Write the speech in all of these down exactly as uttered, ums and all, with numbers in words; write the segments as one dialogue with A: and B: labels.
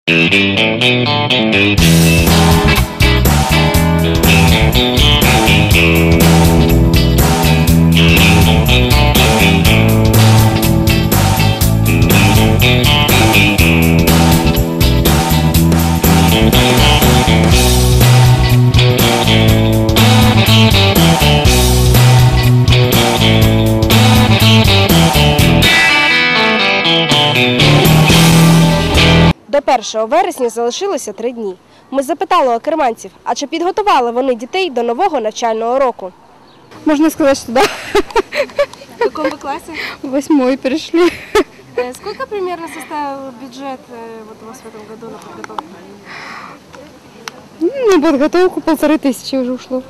A: До першого вересня залишилося три дні. Ми запитали у керманців, а чи підготували вони дітей до нового навчального року?
B: Можно сказать, что да.
A: В каком вы классе?
B: Восьмой перешли.
A: Сколько примерно составил бюджет вот у вас в этом году на подготовку?
B: На подготовку полторы тысячи уже ушло.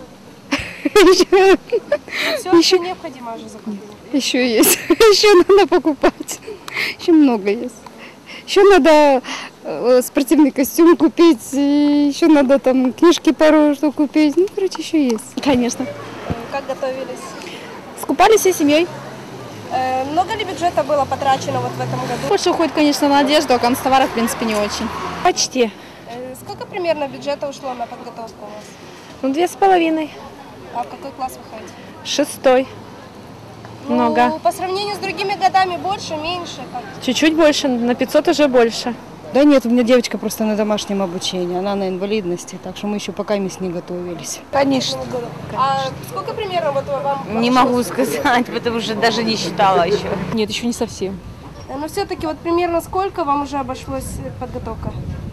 A: Все еще необходимо уже закупить.
B: Еще есть. Еще надо покупать. Еще много есть. Еще надо спортивный костюм купить, еще надо там книжки пару штук купить. Ну, короче, еще есть. Конечно.
A: Как готовились?
B: Скупались всей семьей.
A: Много ли бюджета было потрачено вот в этом году?
B: Больше уходит, конечно, на одежду, а канцтовары, в принципе, не очень. Почти.
A: Сколько примерно бюджета ушло на подготовку у вас?
B: Ну, две с половиной.
A: А в какой класс вы ходите?
B: Шестой.
A: Ну,
B: Много.
A: по сравнению с другими годами больше, меньше? Как?
B: Чуть-чуть больше, на пятьсот уже больше.
C: Да нет, у меня девочка просто на домашнем обучении, она на инвалидности, так что мы еще пока не готовились.
D: Конечно.
A: А сколько примерно вот вам?
D: Не могу сказать, потому что даже не считала еще.
B: Нет, еще не совсем.
A: Но все-таки вот примерно сколько вам уже обошлась подготовка?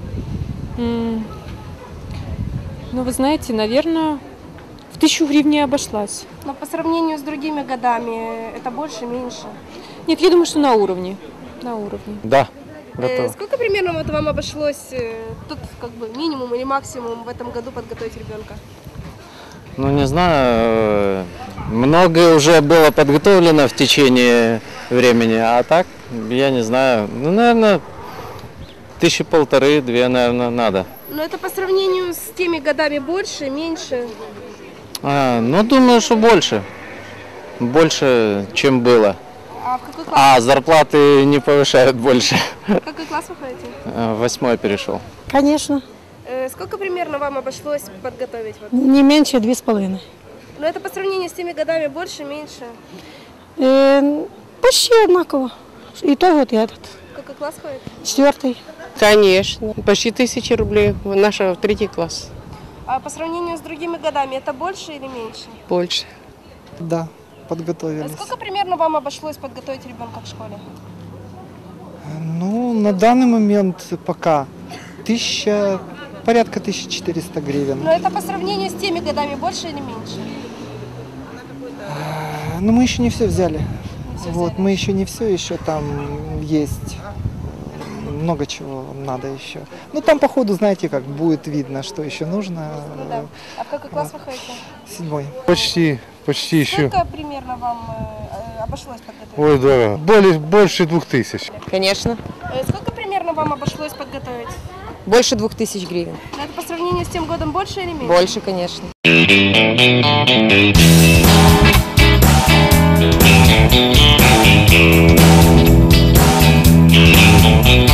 E: Mm. Ну, вы знаете, наверное, в тысячу гривен обошлась.
A: Но по сравнению с другими годами это больше, меньше?
E: Нет, я думаю, что на уровне. На уровне.
F: Да, готов.
A: Э, сколько примерно вот вам обошлось, э, тут как бы минимум или максимум в этом году подготовить ребенка?
F: Ну, не знаю, многое уже было подготовлено в течение времени, а так, я не знаю, ну, наверное, тысячи полторы, две, наверное, надо.
A: Но это по сравнению с теми годами больше, меньше?
F: А, ну, думаю, что больше. Больше, чем было.
A: А в какой класс?
F: А зарплаты не повышают больше.
A: В какой класс вы ходите?
F: Восьмой перешел.
C: Конечно,
A: Э, сколько примерно вам обошлось подготовить? Вот?
C: не меньше две с половиной.
A: Но это по сравнению с теми годами больше, меньше?
C: Э, почти одинаково. И то вот и этот.
A: В какой класс ходит?
C: Четвертый.
G: Конечно, почти тысяча рублей. Наша третий класс.
A: А по сравнению с другими годами это больше или меньше?
G: Больше.
H: Да, подготовились.
A: Сколько примерно вам обошлось подготовить ребенка к школе?
H: Ну, на данный момент пока тысяча, порядка тысячи четырёхсот гривен.
A: Но это по сравнению с теми годами больше или меньше?
H: Но мы еще не все взяли.
A: Не всё
H: Вот,
A: взяли.
H: мы еще не все, еще там есть много чего надо еще. Ну, там по ходу, знаете, как будет видно, что еще нужно.
A: Ну да. А в какой класс вы ходите?
H: Седьмой.
I: Почти, почти еще.
A: Сколько примерно вам э, обошлось подготовить?
I: Ой, дорого. Более, больше двух тысяч.
D: Конечно.
A: Э, сколько примерно вам обошлось подготовить?
D: Больше двух тысяч гривен.
A: Но это по сравнению с тем годом больше или меньше?
D: Больше, конечно.
J: We'll be right back.